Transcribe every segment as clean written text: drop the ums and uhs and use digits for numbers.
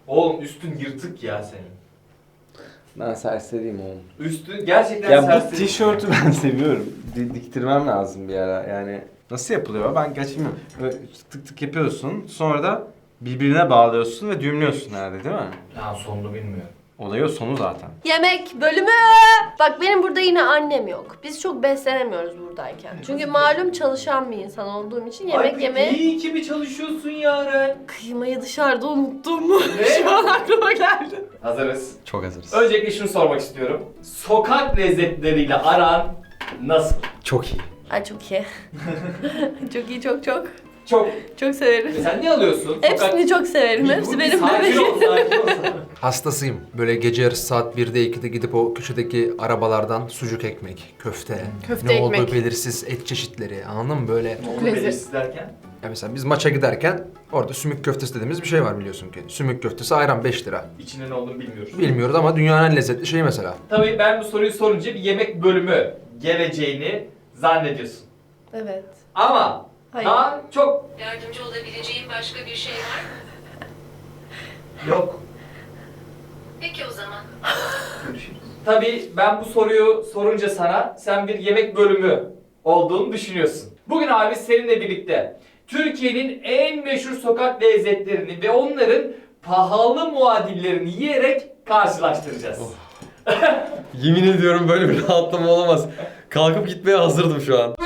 Oğlum üstün yırtık ya senin. Ben serseriyim oğlum. Üstün gerçekten Ya bu serseri. tişörtü ben seviyorum. Diktirmem lazım bir ara yani. Nasıl yapılıyor? Ben gerçi bilmiyorum. Böyle tık tık yapıyorsun. Sonra da birbirine bağlıyorsun ve düğümlüyorsun herhalde değil mi? Ya sonunu bilmiyorum. Olayı o sonu zaten. Yemek bölümü. Bak benim burada yine annem yok. Biz çok beslenemiyoruz buradayken. Çünkü malum çalışan bir insan olduğum için yemek yemeye... İyi ki mi çalışıyorsun Yaren? Kıymayı dışarıda unuttum mu? Ne? Şu an aklıma geldi. Hazırız. Çok hazırız. Öncelikle şunu sormak istiyorum. Sokak lezzetleriyle aran nasıl? Çok iyi. Ay çok iyi. Çok iyi çok. Çok. Çok severim. Sen ne alıyorsun? Hepsini çok severim. Hepsi benim Sakin ol, bebeğim. sakin ol. Hastasıyım. Böyle gece yarısı saat 1'de 2'de gidip o köşedeki arabalardan sucuk ekmek, köfte, Köfte ne ekmek. olduğu belirsiz et çeşitleri, anladın mı böyle? Onu belirsiz derken? Ya mesela biz maça giderken orada sümük köftesi dediğimiz bir şey var biliyorsun ki. Sümük köftesi ayran 5 lira. İçinde ne olduğunu bilmiyoruz. Bilmiyoruz ama dünyanın en lezzetli şeyi mesela. Tabii ben bu soruyu sorunca bir yemek bölümü geleceğini zannediyorsun. Evet. Ama Hayır. daha çok Yardımcı olabileceğim başka bir şey var mı? yok. Peki o zaman. Görüşürüz. Tabii ben bu soruyu sorunca sana sen bir yemek bölümü olduğunu düşünüyorsun. Bugün abi seninle birlikte Türkiye'nin en meşhur sokak lezzetlerini ve onların pahalı muadillerini yiyerek karşılaştıracağız. Yemin ediyorum böyle bir rahatlama olamaz. Kalkıp gitmeye hazırdım şu an.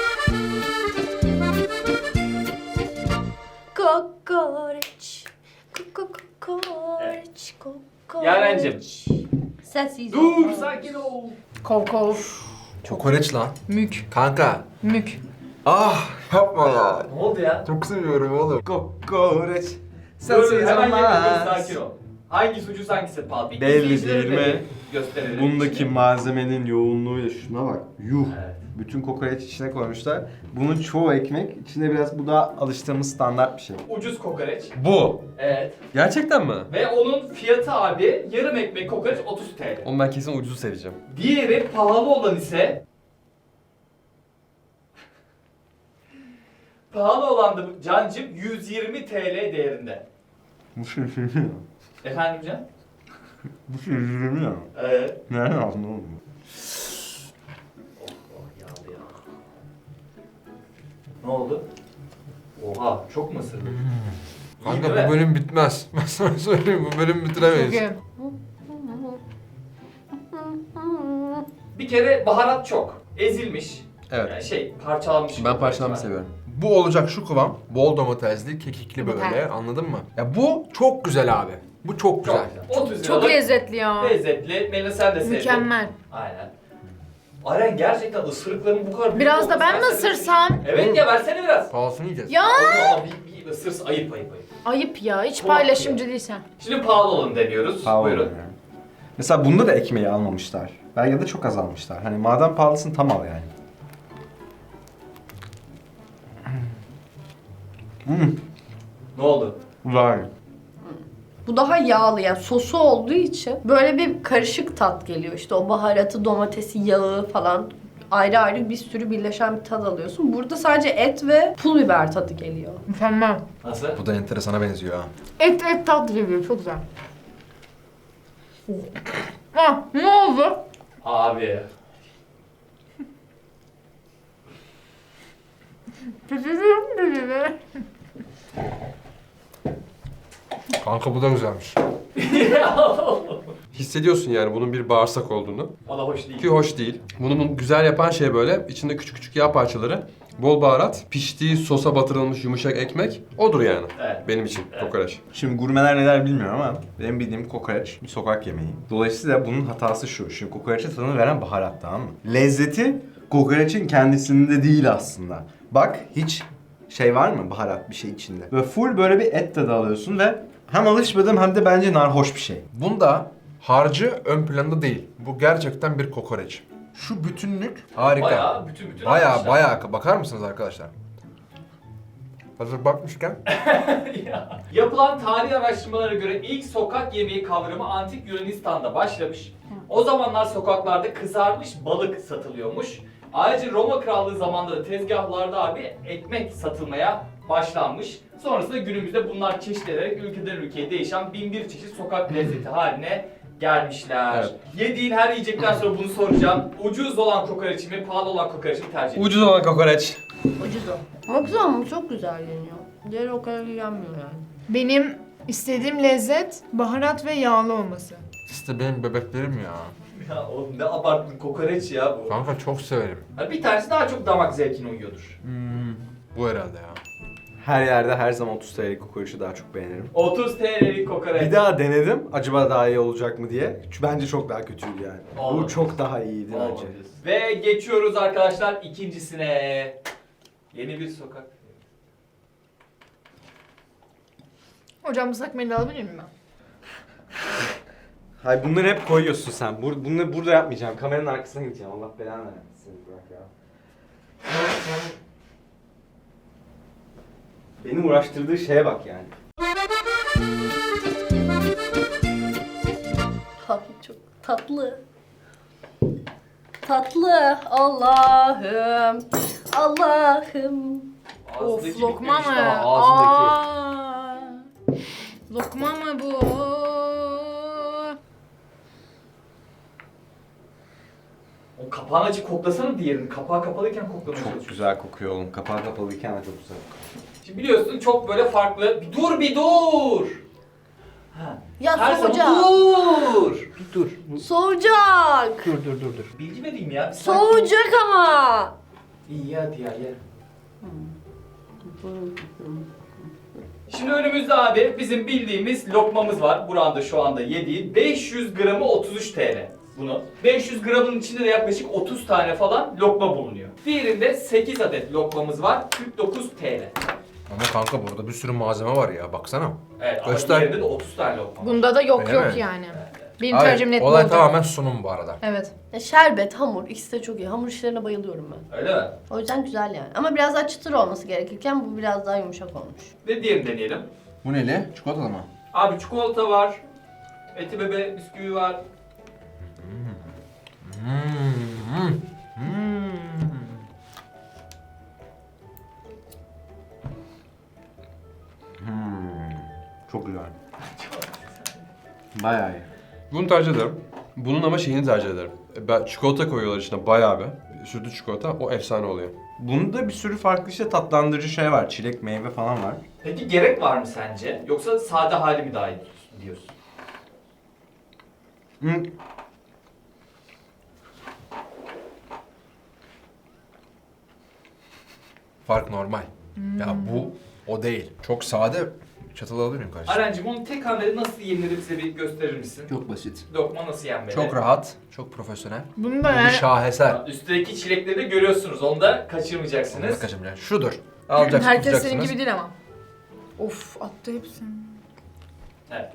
Kokoreç. Kokoreç. Kokoreç. Yarencim. Sessiz Dur ol. sakin ol. Kov kov. Kokoreç lan. Mük. Kanka. Mük. Ah yapma ya. Ne oldu ya? Çok seviyorum oğlum. Kokoreç. Dur hemen yapıyoruz sakin ol. Hangi sucuk hangisi pahalı? Bir Belli izleyicilere değil de mi? Gösterelim. Bundaki şimdi. malzemenin yoğunluğuyla şuna bak. Yuh. Evet. Bütün kokoreç içine koymuşlar. Bunun çoğu ekmek. İçinde biraz bu da alıştığımız standart bir şey. Ucuz kokoreç. Bu. Evet. Gerçekten mi? Ve onun fiyatı abi yarım ekmek kokoreç 30 TL. Onu ben kesin ucuzu seveceğim. Diğeri pahalı olan ise pahalı olan da Cancım 120 TL değerinde. Bu şey mi ya? Efendim Can? Bu şey mi ya? Evet. Nereden aldın oğlum? Yağlı ya. Ne oldu? Oha çok mı ısırdın? İyi Kanka değil mi? bu bölüm bitmez. Ben sana söyleyeyim bu bölüm Çok bitiremeyiz. iyi. Bir kere baharat çok. Ezilmiş. Evet. Yani parçalanmış. Ben parçalanmış seviyorum. Bu olacak şu kıvam. Bol domatesli, kekikli böyle Evet. anladın mı? Ya bu çok güzel abi. Bu çok güzel. Çok güzel. 30 Çok liralık lezzetli ya. lezzetli. Melih sen de sevdin. Mükemmel. Aynen. Aren gerçekten ısırıkların bu kadar büyük Biraz da olması ben mi ben sana- ısırsam? Evet ya versene biraz. Pahalısını yiyeceğiz. Ya Ama bir ısırsın ayıp. ayıp ya. Hiç Tuhaf paylaşımcı değilsen. Şimdi pahalı olanı deniyoruz. Buyurun. Yani. Mesela bunda da ekmeği almamışlar. Belki ya da çok az almışlar. Hani madem pahalısın tam al yani. Ne oldu? Vay. Bu daha yağlı yani sosu olduğu için böyle bir karışık tat geliyor. İşte o baharatı, domatesi, yağı falan ayrı ayrı bir sürü birleşen bir tat alıyorsun. Burada sadece et ve pul biber tadı geliyor. Mükemmel. Nasıl? Bu da enteresana benziyor ha. Et tat geliyor. Çok güzel. Ah ne oldu? Abi. Pişiriyorum dedi. Kanka bu da güzelmiş. Hissediyorsun yani bunun bir bağırsak olduğunu. O da hoş değil. Ki hoş değil. Bunu güzel yapan şey böyle içinde küçük küçük yağ parçaları, bol baharat, piştiği sosa batırılmış yumuşak ekmek odur yani. Evet. Benim için Evet. kokoreç. Şimdi gurmeler neler bilmiyorum ama benim bildiğim kokoreç bir sokak yemeği. Dolayısıyla bunun hatası şu. Şimdi kokoreçe tadını veren baharat, tamam mı? Lezzeti kokoreçin kendisinde değil aslında. Bak hiç şey var mı baharat bir şey içinde? Böyle full böyle bir et tadı alıyorsun ve hem alışmadım hem de bence narhoş bir şey. Bunda harcı ön planda değil. Bu gerçekten bir kokoreç. Şu bütünlük harika. Bayağı bütün Baya almışlar. baya bakar mısınız arkadaşlar? Hazır bakmışken. Yapılan tarihi araştırmalara göre ilk sokak yemeği kavramı antik Yunanistan'da başlamış. O zamanlar sokaklarda kızarmış balık satılıyormuş. Ayrıca Roma Krallığı zamanında da tezgahlarda abi ekmek satılmaya başlanmış. Sonrasında günümüzde bunlar çeşitlenerek ülkeden ülkeye değişen 1001 çeşit sokak lezzeti haline gelmişler. Evet. Yediğin her yiyecekten sonra bunu soracağım. Ucuz olan kokoreç mi, pahalı olan kokoreç mi tercih ediyorsun? Ucuz olan kokoreç. Ucuz o. Ama güzel ama çok güzel yeniyor. Diğeri o kadar yenmiyor yani. Benim istediğim lezzet baharat ve yağlı olması. İşte benim bebeklerim ya. Ya oğlum ne abarttın kokoreç ya bu. Kanka çok severim. Ha, bir tanesi daha çok damak zevkine uyuyordur. Bu herhalde ya. Her yerde her zaman 30 TL'lik kokoreçi daha çok beğenirim. 30 TL'lik kokoreç. Bir daha denedim. Acaba daha iyi olacak mı diye. Bence çok daha kötüydü yani. Olmadı. Bu çok daha iyiydi bence. Olmadı. Ve geçiyoruz arkadaşlar ikincisine. Yeni bir sokak. Hocam ıslak mendil alabilir miyim ben? Hayır bunları hep koyuyorsun sen. Bunu burada yapmayacağım. Kameranın arkasına gideceğim. Allah belanı versin bırak ya. Beni uğraştırdığı şeye bak yani. Abi çok tatlı. Tatlı. Allah'ım. Allah'ım. Ağzındaki Of lokma bitmemiş mı? daha, ağzındaki. Aa, lokma mı bu? O kapağını açıp koklasana diğerini. Kapağı kapalıyken koklamaya Çok çalışıyorsun. güzel kokuyor oğlum. Kapağı kapalıyken de çok güzel kokuyor. Şimdi biliyorsun çok böyle farklı. Bir dur. Ha. Ya Her soğuyacak. zaman dur. Soğuyacak. Dur. Bilgi vereyim ya. Soğuyacak ama. İyi hadi ya ye. Şimdi önümüzde abi bizim bildiğimiz lokmamız var. Buranda şu anda yediğin 500 gramı 33 TL. Bunu 500 gramın içinde de yaklaşık 30 tane falan lokma bulunuyor. Diğerinde 8 adet lokmamız var. 49 TL. Ama kanka burada bir sürü malzeme var ya baksana. Evet ama Göster. diğerinde de 30 tane lokma var. Bunda da yok Öyle yok mi? yani. Benim Hayır, tercihim net bu olay oldu. tamamen sunum bu arada. Evet. Şerbet, hamur ikisi de çok iyi. Hamur işlerine bayılıyorum ben. Öyle mi? O O yüzden güzel yani. Ama biraz daha çıtır olması gerekirken bu biraz daha yumuşak olmuş. Ve diğerini deneyelim. Bu neli? Çikolatalı mı? Abi çikolata var. Eti bebe bisküvi var. Çok güzel. Bayağı iyi. Bunu tercih ederim. Bunun ama şeyini tercih ederim. Ben çikolata koyuyorlar içine bayağı bir. Sütlü çikolata o efsane oluyor. Bunda bir sürü farklı işte tatlandırıcı şey var. Çilek, meyve falan var. Peki gerek var mı sence? Yoksa sade hali mi daha iyi diyorsun? Hı. Fark normal. Ya bu o değil. Çok sade. Çatal alabilir miyim kardeşim? Arencim onu tek hamlede nasıl yenilir bize bir gösterir misin? Çok basit. Lokma nasıl yenmeli? Çok rahat, çok profesyonel. Bunu Bu da bir yani şaheser. Üstteki çilekleri de görüyorsunuz. Onu da kaçırmayacaksınız. Kaçım şudur. Alacaksınız, herkes senin tutacaksınız. gibi değil ama. Of attı hepsini. Evet.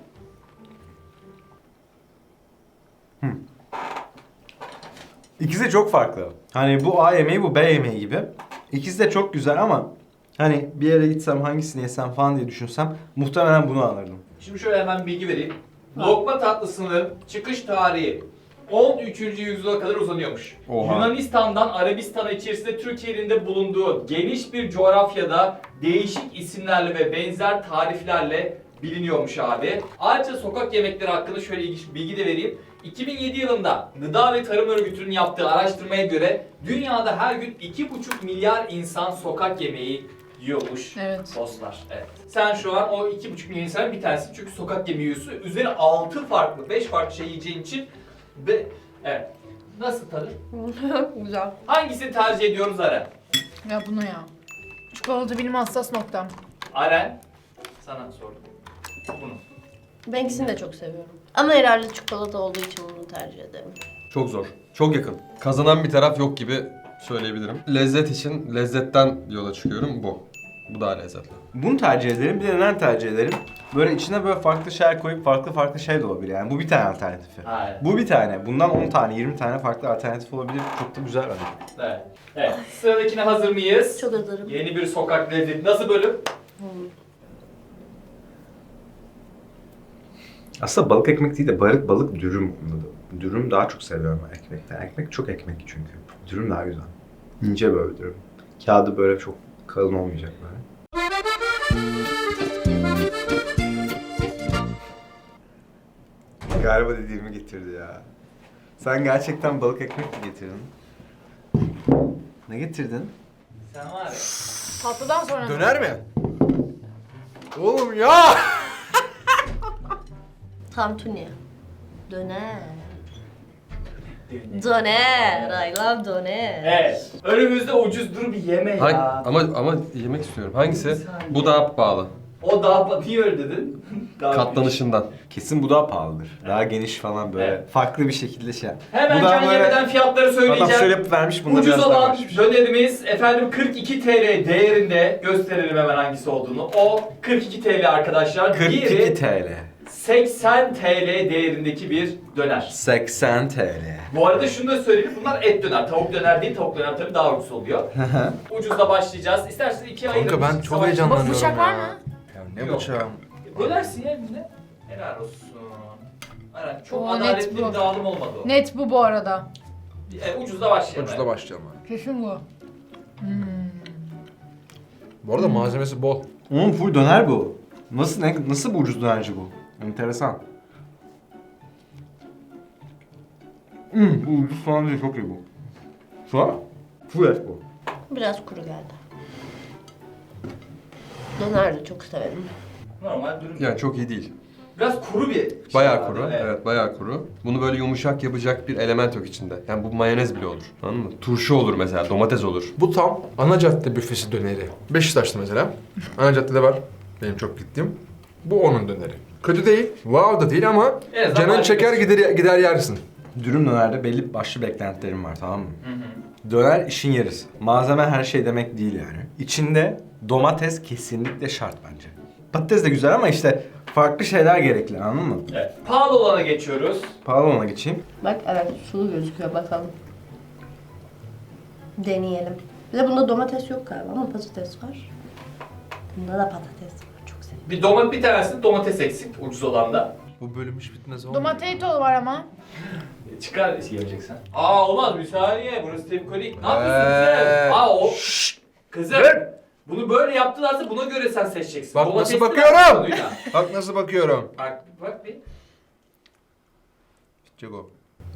İkisi de çok farklı. Hani bu A yemeği, bu B yemeği gibi. İkisi de çok güzel ama hani bir yere gitsem hangisini yesem falan diye düşünsem muhtemelen bunu alırdım. Şimdi şöyle hemen bilgi vereyim. Lokma tatlısının çıkış tarihi 13. yüzyıla kadar uzanıyormuş. Oha. Yunanistan'dan Arabistan'a içerisinde Türkiye'nin de bulunduğu geniş bir coğrafyada değişik isimlerle ve benzer tariflerle biliniyormuş abi. Ayrıca sokak yemekleri hakkında şöyle ilginç bir bilgi de vereyim. 2007 yılında Gıda ve Tarım Örgütü'nün yaptığı araştırmaya göre dünyada her gün 2,5 milyar insan sokak yemeği yiyormuş. Evet. Dostlar, evet. Sen şu an o 2,5 milyon insan bir tanesi çünkü sokak yemeği yiyorsun. Üzerine 6 farklı, 5 farklı şey yiyeceğin için ve evet. Nasıl tadı? Güzel. Hangisini tercih ediyoruz Aren? Ya bunu ya. Çikolata benim hassas noktam. Aren, sana sordum. Bunu. Ben ikisini de çok seviyorum. Ama herhalde çikolata olduğu için bunu tercih ederim. Çok zor. Çok yakın. Kazanan bir taraf yok gibi söyleyebilirim. Lezzet için lezzetten yola çıkıyorum bu. Bu daha lezzetli. Bunu tercih ederim. Bir de neden tercih ederim? Böyle içine böyle farklı şeyler koyup farklı şey de olabilir yani. Bu bir tane alternatifi. Hayır. Bu bir tane. Bundan 10 tane, 20 tane farklı alternatif olabilir. Çok da güzel bence. Evet. Evet. Sıradakine hazır mıyız? Çok hazırım. Yeni bir sokak lezzeti. Nasıl bölüm? Aslında balık ekmek değil de balık dürüm. Dürüm daha çok seviyorum ben ekmekten. Ekmek çok ekmek çünkü. Dürüm daha güzel. İnce böyle dürüm. Kağıdı böyle çok kalın olmayacak böyle. Galiba dediğimi getirdi ya. Sen gerçekten balık ekmek mi getirdin? Ne getirdin? Sen var ya. Tatlıdan sonra mı? Döner mi? Oğlum ya! Tantuni. Döner. Döner. I love döner. Evet. Önümüzde ucuz dur bir yeme ya. Ama yemek istiyorum. Hangisi? Bu daha pahalı. O daha niye öyle dedin? Daha Katlanışından. Kesin bu daha pahalıdır. Daha geniş falan böyle. Evet. Farklı bir şekilde şey. Hemen Bu daha can böyle- yemeden fiyatları Adam söyleyeceğim. şöyle yapıp vermiş, bunda Ucuz biraz daha olan varmış. dönerimiz efendim 42 TL değerinde, gösterelim hemen hangisi olduğunu. O 42 TL arkadaşlar. 42 Diğeri TL. 80 TL değerindeki bir döner. 80 TL. Bu arada şunu da söyleyeyim, bunlar et döner. Tavuk döner değil, tavuk döner tabii daha ucuz oluyor. Ucuzla başlayacağız. İsterseniz ikiye ayırın. Kanka ben çok Savaş- heyecanlanıyorum Bıçak var ya. mı? Ya ne Yok. bıçağı? Bölersin ya eline. Helal olsun. Aynen, çok Oo, net adaletli bu. bir dağılım olmadı o. Net bu arada. Ucuzla başlayalım. Ucuzda başlayalım abi. Kesin bu. Bu arada malzemesi bol. Full döner bu. Nasıl bu ucuz dönerci bu? Enteresan. Bu ucuz falan değil, çok iyi bu. Şu an full et bu. Biraz kuru geldi. Döner de çok severim. Normal dürüm. Yani çok iyi değil. Biraz kuru bir şey Bayağı var, kuru. değil mi? Evet, bayağı kuru. Bunu böyle yumuşak yapacak bir element yok içinde. Yani bu mayonez bile olur. Anladın mı? Turşu olur mesela, domates olur. Bu tam ana cadde büfesi döneri. Beşiktaş'ta mesela. Ana caddede var. Benim çok gittiğim. Bu onun döneri. Kötü değil, wow da değil ama En azından canın malzemesi. çeker gider yersin. Dürüm dönerde belli başlı beklentilerim var, tamam mı? Döner işin yarısı. Malzeme her şey demek değil yani. İçinde domates kesinlikle şart bence. Patates de güzel ama işte farklı şeyler gerekli, anladın mı? Evet. Pahalı olana geçiyoruz. Pahalı ona geçeyim. Bak evet sulu gözüküyor bakalım. Deneyelim. Bir de bunda domates yok galiba ama patates var. Bunda da patates var. Çok seviyorum. Bir tanesinde domates eksik, ucuz olanda. Bu bölüm hiç bitmez olmuyor. Domateto var ama. Çıkar yiyeceksen. Olmaz bir saniye, burası tepkolik. Ne yapıyorsun kızım? O... Kızım! Bunu böyle yaptılarsa buna göre sen seçeceksin. Bak Domatesli nasıl bakıyorum! konuyla. Bak nasıl bakıyorum. Bak bir. Çeko.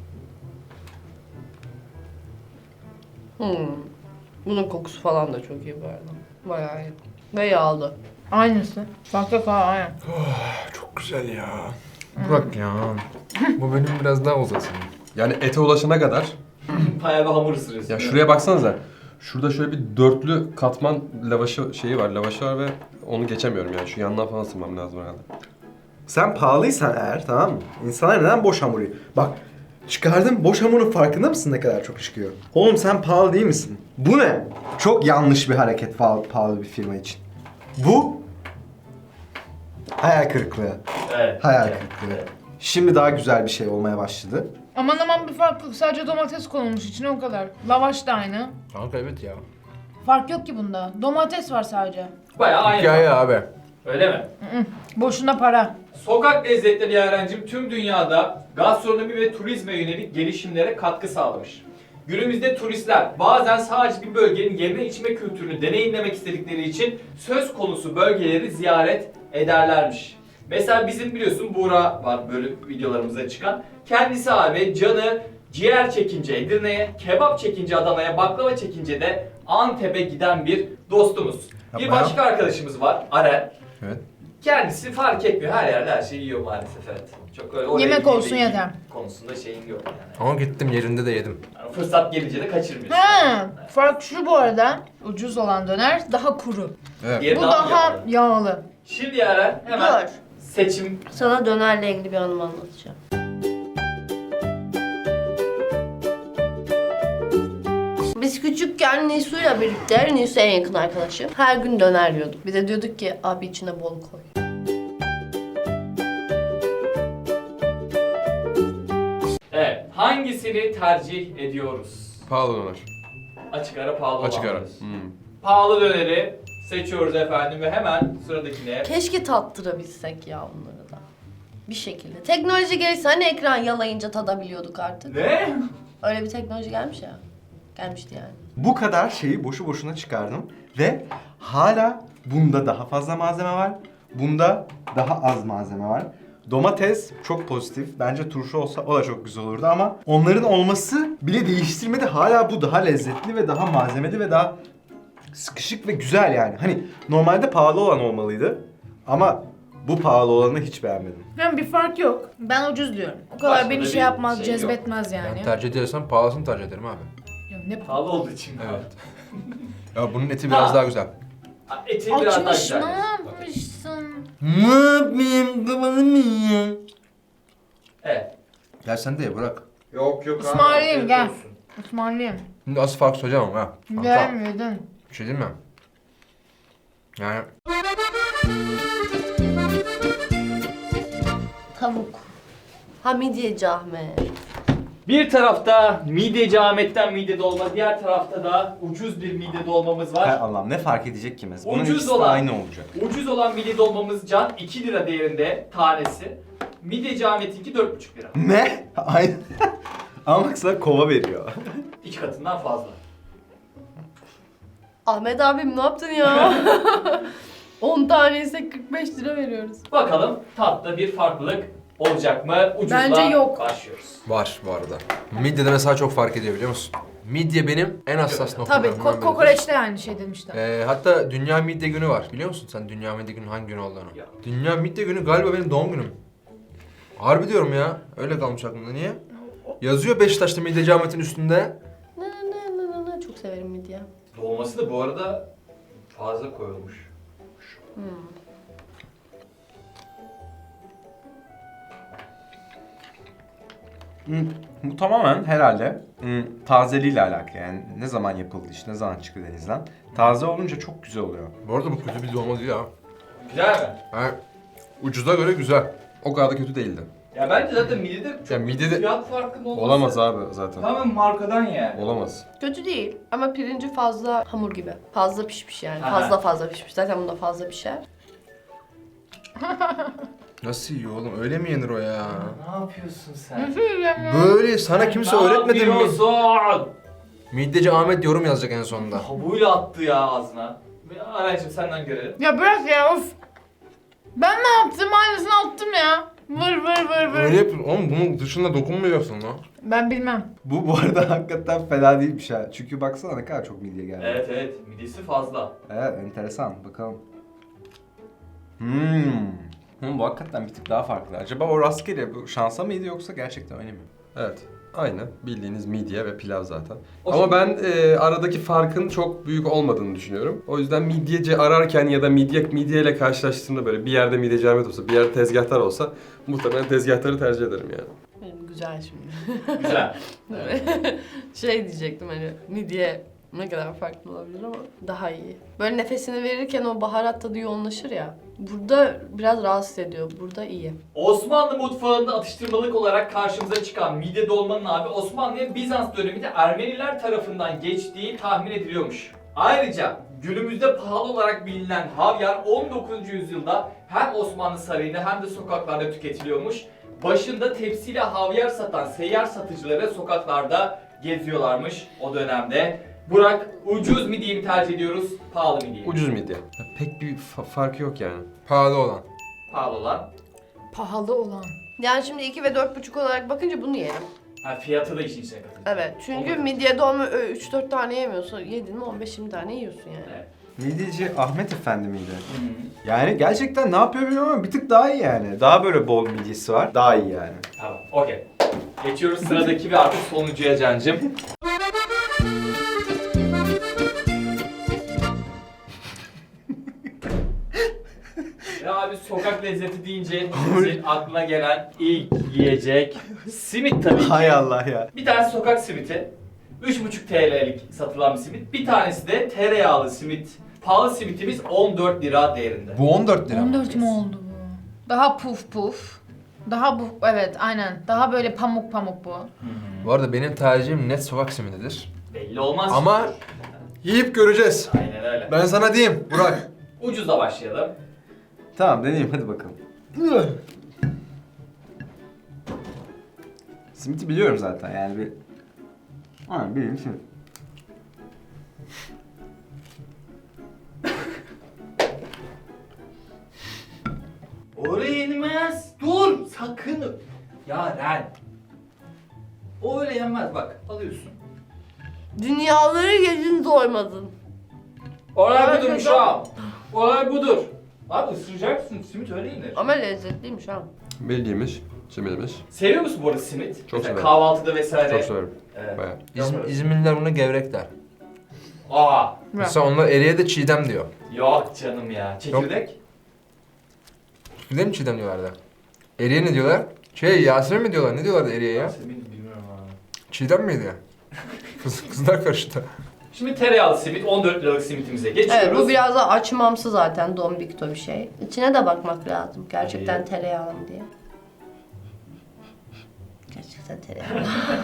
Bunun kokusu falan da çok iyi bu arada. Bayağı iyi. Ve yağlı. Aynısı. Bak bak aynen. Çok güzel ya. Bırak ya. Bu bölüm biraz daha uzasın. Yani ete ulaşana kadar. Bayağı bir hamur ısırıyorsun. Ya değil mi? şuraya baksanıza. Şurada şöyle bir dörtlü katman lavaşı lavaşı var ve onu geçemiyorum yani. Şu yandan falan ısırmam lazım herhalde. Sen pahalıysan eğer, tamam mı? İnsanlar neden boş hamur yiyor? Bak, çıkardım boş hamurun farkında mısın ne kadar çok çıkıyor? Oğlum sen pahalı değil misin? Bu ne? Çok yanlış bir hareket pahalı bir firma için. Bu hayal kırıklığı. Evet. Hayal Evet, kırıklığı. evet. Şimdi daha güzel bir şey olmaya başladı. Aman aman bir fark yok. Sadece domates konulmuş içine o kadar. Lavaş da aynı. Kanka evet ya. Fark yok ki bunda. Domates var sadece. Bayağı aynı. Hikaye abi. Öyle mi? Boşuna para. Sokak lezzetleri Yaren'cim tüm dünyada gastronomi ve turizme yönelik gelişimlere katkı sağlamış. Günümüzde turistler bazen sadece bir bölgenin yeme içme kültürünü deneyimlemek istedikleri için söz konusu bölgeleri ziyaret ederlermiş. Mesela bizim biliyorsun Buğra var böyle videolarımıza çıkan. Kendisi abi canı ciğer çekince Edirne'ye, kebap çekince Adana'ya, baklava çekince de Antep'e giden bir dostumuz. Bir Yapma ya. başka arkadaşımız var Aren. Evet. Kendisi fark etmiyor. Her yerde her şeyi yiyor maalesef, evet. Çok öyle oraya Yemek gideyim de olsun yiyeyim yeter. konusunda şeyin yok yani. Ama gittim yerinde de yedim. Yani fırsat gelince de kaçırmıyorsun. Ha, fark şu bu arada. Ucuz olan döner daha kuru. Evet. Diğeri Bu daha daha yağlı. yağlı. Şimdi Yaren hemen Dur. seçim. Sana dönerle ilgili bir anımı anlatacağım. Biz küçükken Nisu'yla birlikte, Nisu en yakın arkadaşım. Her gün döner yiyorduk. Bir de diyorduk ki abi içine bol koy. Evet. Hangisini tercih ediyoruz? Pahalı döner. Açık ara pahalı Açık olan ara. diyorsun. Pahalı döneri seçiyoruz efendim ve hemen sıradakine. Keşke tattırabilsek ya onları da. Bir şekilde. Teknoloji gelirse hani ekran yalayınca tadabiliyorduk artık. Ne? Öyle bir teknoloji gelmiş ya. Gelmişti yani. Bu kadar şeyi boşu boşuna çıkardım ve hala bunda daha fazla malzeme var. Bunda daha az malzeme var. Domates çok pozitif. Bence turşu olsa o da çok güzel olurdu ama onların olması bile değiştirmedi. Hala bu daha lezzetli ve daha malzemeli ve daha sıkışık ve güzel yani. Hani normalde pahalı olan olmalıydı ama bu pahalı olanı hiç beğenmedim. Yani bir fark yok. Ben ucuz diyorum. O kadar Başka beni da şey bir yapmaz, şey yok. cezbetmez yani. Ben tercih edersem pahalısını tercih ederim abi. Ya ne Pahalı olduğu için mi? Evet. Ya bunun eti biraz daha güzel. Eti biraz daha Açmış, güzel. ne yapmışsın? Ne yapayım? Kafanı mı yiyeyim? Evet. Gel sen de ye bırak. Yok yok. İsmail'im gel. Osmanlıyım. Şimdi asıl fark söyleyeceğim ama ha. Kanka, Gelmiyordun. bir şey diyeyim mi? Yani Tavuk. Ha midyeci Ahmet. Bir tarafta mideci Ahmet'ten mide dolma, diğer tarafta da ucuz bir mide dolmamız Hay var. Allah'ım ne fark edecek ki mesela? Bunun Ucuz ikisi de olan. aynı olacak. Ucuz olan mide dolmamız can 2 lira değerinde tanesi. Mideci Ahmet'inki 4,5 lira. Ne? Aynı. Ama bak sana kova veriyor. 2 katından fazla. Ahmet abim ne yaptın ya? 10 tane ise 45 lira veriyoruz. Bakalım tatta bir farklılık olacak mı? Ucuzla Bence yok. başlıyoruz. var bu arada. Midyede mesela çok fark ediyor biliyor musun? Midye benim en hassas noktam. Tabii kokoreçte aynı şey demişler. Hatta Dünya Midye Günü var. Biliyor musun sen Dünya Midye Günü hangi gün olduğunu? Ya. Dünya Midye Günü galiba benim doğum günüm. Harbi diyorum ya. Öyle kalmış aklımda. Niye? Yazıyor Beşiktaş'ta Midyeci Ahmet'in üstünde. Ne çok severim midye. Dolması da bu arada fazla koyulmuş. Bu tamamen herhalde tazeliğiyle alakalı. Yani ne zaman yapıldı iş, ne zaman çıktı denizden. Taze olunca çok güzel oluyor. Bu arada bu kötü bir dolma değil ha. Güzel mi? Yani ucuza göre güzel. O kadar da kötü değildi. Ya bence zaten midede çok Ya midede fiyat farkının olması... olamaz abi zaten. Tamamen markadan yani. Olamaz. Kötü değil ama pirinci fazla hamur gibi. Fazla pişmiş yani. Aha. Fazla pişmiş. Zaten bunda fazla pişer. Nasıl yiyor oğlum? Öyle mi yenir o ya? Ne yapıyorsun sen? Böyle sana kimse Ne öğretmedi mi? yapıyorsun? Midyeci Ahmet yorum yazacak en sonunda. Kabuğuyla attı ya ağzına. Araycığım senden görelim. Ya bırak ya of. Ben ne yaptım? Aynısını attım ya. Vır. Öyle yapın. Oğlum bunun dışında dokunmayacaksın lan. Ben bilmem. Bu arada hakikaten fena değilmiş ha. Çünkü baksana ne kadar çok midye geldi. Evet midesi fazla. Evet, enteresan. Bakalım. Bu hakikaten bir tık daha farklı. Acaba o rastgele bu şansa mıydı yoksa gerçekten öyle mi? Evet. Aynı. Bildiğiniz midye ve pilav zaten. O Ama şey- ben aradaki farkın çok büyük olmadığını düşünüyorum. O yüzden midyeci ararken ya da midyeyle karşılaştığımda böyle bir yerde midyeci Ahmet olsa, bir yerde tezgahtar olsa muhtemelen tezgahtarı tercih ederim yani. Benim güzel şimdi. Güzel. Şey diyecektim hani midye ne kadar farklı olabilir ama daha iyi. Böyle nefesini verirken o baharat tadı yoğunlaşır ya. Burada biraz rahatsız ediyor. Burada iyi. Osmanlı mutfağında atıştırmalık olarak karşımıza çıkan midye dolmanın abi Osmanlı'ya Bizans döneminde Ermeniler tarafından geçtiği tahmin ediliyormuş. Ayrıca günümüzde pahalı olarak bilinen havyar 19. yüzyılda hem Osmanlı sarayında hem de sokaklarda tüketiliyormuş. Başında tepsiyle havyar satan seyyar satıcıları sokaklarda geziyorlarmış o dönemde. Burak, ucuz midyeyi mi tercih ediyoruz, pahalı midyeyi mi? Ucuz midye. Ya pek bir farkı yok yani. Pahalı olan. Pahalı olan. Pahalı olan. Yani şimdi 2 ve 4,5 olarak bakınca bunu yerim. Ha, fiyatı da işin içine katılıyor. Evet. Çünkü Olur. midye dolma 3-4 tane yemiyorsun. Yedin mi 15-20 tane yiyorsun yani. Evet. Midyeci Ahmet Efendi miydi? Hı-hı. Yani gerçekten ne yapıyor bilmiyorum ama bir tık daha iyi yani. Daha böyle bol midyesi var. Daha iyi yani. Tamam, okey. Geçiyoruz sıradaki ve artık sonuncuya Cancım. Ya abi sokak lezzeti deyince sizin aklına gelen ilk yiyecek simit tabii ki. Hay Allah ya. Bir tane sokak simiti. 3,5 TL'lik satılan bir simit. Bir tanesi de tereyağlı simit. Pahalı simitimiz 14 lira değerinde. Bu 14 lira. 14 mu oldu bu? Daha puf. Daha bu, evet aynen. Daha böyle pamuk bu. Bu arada benim tercihim net sokak simididir. Belli olmaz. Ama yiyip göreceğiz. Aynen öyle. Ben sana diyeyim Burak. Ucuzla başlayalım. Tamam deneyeyim hadi bakalım. Simit'i biliyorum zaten yani bir... Aynen bileyim simit. Oraya inmez. Dur. Sakın. Yaren. O öyle yenmez bak. Alıyorsun. Dünyaları yedin doymadın. Olay budur şu an. Olay budur. Abi ısıracaksın. Simit öyle yenir. Ama lezzetliymiş ha. Bildiğimiz, simidimiz. Seviyor musun bu arada simit? Çok Mesela severim. kahvaltıda vesaire. Çok severim. Evet. Bayağı. İzmirliler buna gevrek der. Aa. Mesela onlar eriye de çiğdem diyor. Yok canım ya. Çekirdek. Bilir mi çiğdem diyorlardı? Eriye ne diyorlar? Yasemin mi diyorlar? Ne diyorlardı eriye ya? Simit bilmiyorum abi. Çiğdem miydi? Kızlar karıştı. Şimdi tereyağlı simit 14 liralık simitimize geçiyoruz. Evet, bu biraz da açmamsı zaten, dombikto bir şey. İçine de bakmak lazım gerçekten Hayır. tereyağlı mı diye. Gerçekten tereyağlı.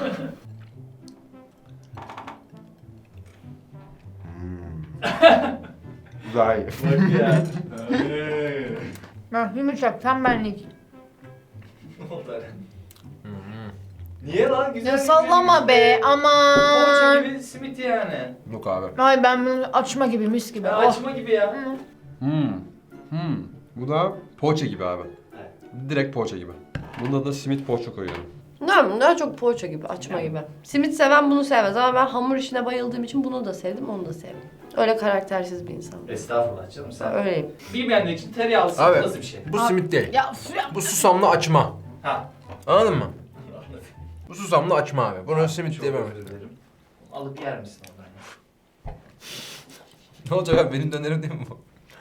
Güzel. Bak ya. Ben yumuşak, tembellik. Niye lan güzel? Ya sallama be, Poğaça aman. gibi simit yani. Yok abi. Ay ben bunu açma gibi, mis gibi. Ya Oh. açma gibi ya. Bu da poğaça gibi abi. Evet. Direkt poğaça gibi. Bunda da simit poğaça koyuyorum. Daha çok poğaça gibi, açma gibi. Simit seven bunu sevmez ama ben hamur işine bayıldığım için bunu da sevdim, onu da sevdim. Öyle karaktersiz bir insanım. Estağfurullah canım sen. Öyleyim. Bilmeyenler için tereyağlı simit Abi. nasıl bir şey? Bu simit değil. Ya üf ya. Bu susamlı açma. Ha. Anladın mı? Bu susamlı açma abi. Bunu simit Çok diyemem. özür dilerim. Alıp yer misin ondan ya? Ne olacak abi, benim dönerim değil mi bu?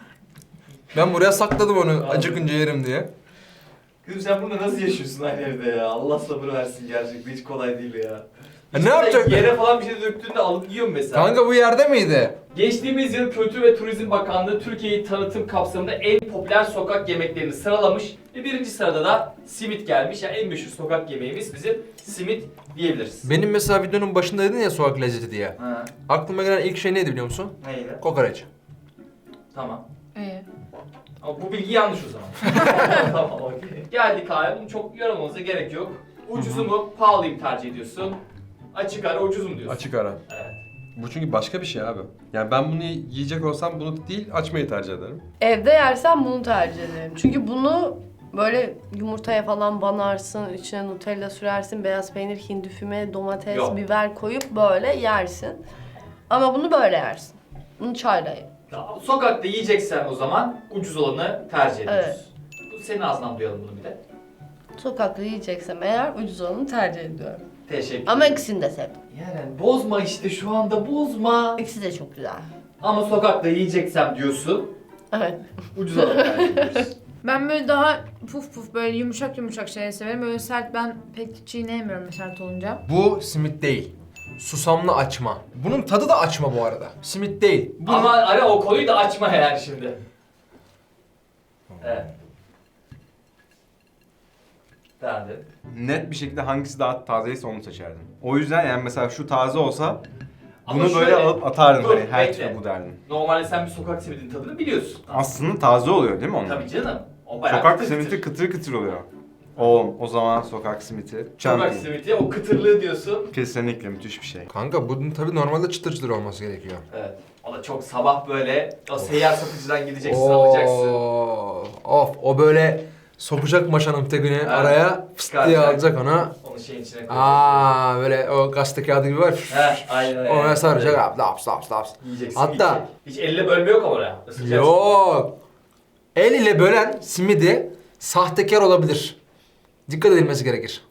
Ben buraya sakladım onu Abi. acıkınca yerim diye. Kızım sen burada nasıl yaşıyorsun aynı evde ya? Allah sabır versin gerçekten hiç kolay değil ya. ne İşte yapacak? Yere falan bir şey döktüğünde alıp yiyorum mesela. Kanka bu yerde miydi? Geçtiğimiz yıl Kültür ve Turizm Bakanlığı Türkiye'yi tanıtım kapsamında en popüler sokak yemeklerini sıralamış ve birinci sırada da simit gelmiş. Yani en meşhur sokak yemeğimiz bizim simit diyebiliriz. Benim mesela videonun başında dedin ya sokak lezzeti diye. Ha, Aklıma gelen ilk şey neydi biliyor musun? neydi? Kokoreç. Tamam. Ee, Ama bu bilgi yanlış o zaman. Tamam okey. Geldik abi, bunu çok yorulmanıza gerek yok. Ucuzu mu, pahalıyı mı tercih ediyorsun? Açık ara ucuz mu diyorsun? Açık ara. Evet. Bu çünkü başka bir şey abi. Yani ben bunu yiyecek olsam bunu değil açmayı tercih ederim. Evde yersen bunu tercih ederim. Çünkü bunu böyle yumurtaya falan banarsın, içine Nutella sürersin, beyaz peynir, hindi füme, domates, Yok. biber koyup böyle yersin. Ama bunu böyle yersin. Bunu çayla ye. Tamam, sokakta yiyeceksen o zaman ucuz olanı tercih ediyoruz. Evet. Bu senin ağzından duyalım bunu bir de. Sokakta yiyeceksem eğer ucuz olanı tercih ediyorum. Teşekkür Ama ederim. ikisini de sevdim. Yani bozma işte şu anda bozma. İkisi de çok güzel. Ama sokakta yiyeceksem diyorsun, Evet. ucuz olanı tercih ediyoruz. ben böyle daha puf puf böyle yumuşak yumuşak şeyleri severim. Böyle sert ben pek çiğneyemiyorum sert olunca. Bu simit değil. Susamlı açma. Bunun tadı da açma bu arada. Simit değil. Bu Ama ara o konuyu da açma yani şimdi. Evet. Beğendim. Net bir şekilde hangisi daha tazeyse onu seçerdim. O yüzden yani mesela şu taze olsa Ama bunu böyle şöyle- alıp atardım Dur, hani her bekle. türlü bu derdim. Normalde sen bir sokak simidinin tadını biliyorsun. Aslında taze oluyor değil mi onun? Tabii canım. O bayağı Sokak kıtır simiti kıtır. kıtır kıtır oluyor. Oğlum o zaman sokak simiti. Sokak Champion. simiti o kıtırlığı diyorsun. Kesinlikle müthiş bir şey. Kanka bunun tabii normalde çıtır çıtır olması gerekiyor. Evet. O da çok sabah böyle o seyyar satıcıdan gideceksin alacaksın. Of o böyle sokacak maşanın tekini Evet. araya fıst diye Çıkaracak. alacak ona. Onu şeyin içine koyacaksın. Böyle o gazete kağıdı gibi var. Heh, aynen öyle. Ona saracak abi laps laps laps. Yiyeceksin. Hatta- yiyecek. Hiç elle bölme yok ama oraya. Isıracaksın. Yok. El ile bölen simidi sahtekar olabilir. Dikkat edilmesi gerekir.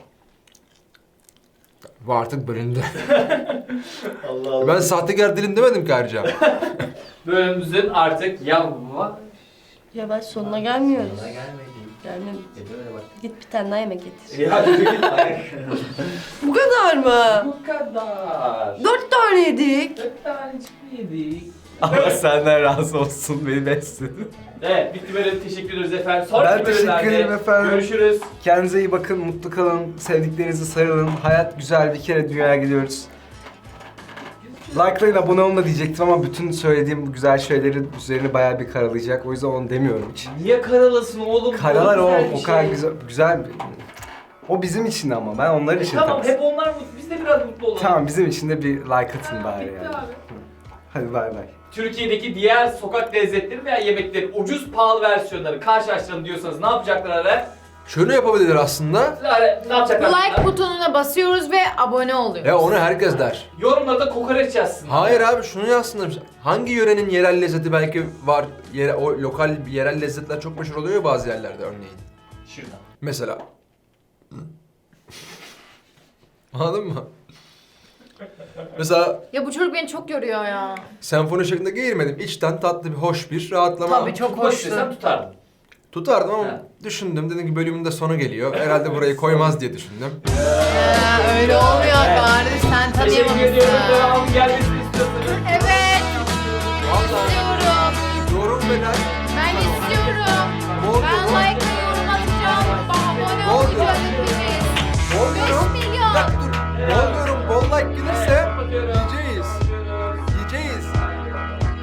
Bu artık bölündü. Allah Allah. Ben sahtekar dilim demedim ki ayrıca. Bölümümüzün artık yavaş Yavaş sonuna gelmiyoruz. sonuna gelmedik. Gelmedik. Böyle bak. Git bir tane daha yemek getir. Ya yürü git. Ay. Bu kadar mı? Bu kadar. 4 tane yedik. 4 tanecik mi yedik? Allah senden razı olsun beni besledin. Evet, bitti böyle teşekkür ederiz efendim. Sonraki Ben teşekkür bölümlerde ederim efendim. Görüşürüz. Kendinize iyi bakın, mutlu kalın, sevdiklerinizi sarılın. Hayat güzel, bir kere dünyaya gidiyoruz. Like'layın, abone olun da diyecektim ama bütün söylediğim bu güzel şeylerin üzerine bayağı bir karalayacak. O yüzden onu demiyorum hiç. Niye karalasın oğlum? Karalar Bu o, güzel bir o kadar şey. güzel bir... O bizim için ama ben onlar için Tamam, tabii. hep onlar mutlu. Biz de biraz mutlu olalım. Tamam bizim için de bir like atın bari Bitti yani. abi. Hadi bay bay. Türkiye'deki diğer sokak lezzetleri veya yemeklerin ucuz pahalı versiyonları karşılaştıralım diyorsanız ne yapacaklar ara? Şunu yapabilir aslında. Ne yapacaklar? Like butonuna basıyoruz ve abone oluyoruz. Ya onu herkes der. Yorumlarda kokoreç yazsın. Hayır abi şunu yazsınlar. Hangi yörenin yerel lezzeti belki var. O lokal yerel lezzetler çok meşhur oluyor ya bazı yerlerde örneğin. Şuradan. Mesela. Anladın mı? Mesela Ya bu çocuk beni çok yoruyor ya. senfoni şeklinde geğirmedim. İçten tatlı bir hoş bir rahatlama. Tabii çok Tutmak hoştu. istesem tutardım. Tutardım ama Ha. düşündüm. Dedim ki bölümün de sonu geliyor. Herhalde burayı koymaz diye düşündüm. Öyle olmuyor kardeş sen Teşekkür ediyorum. tanıyamamışsın. Devamı gelmesini istiyorsanız. Evet.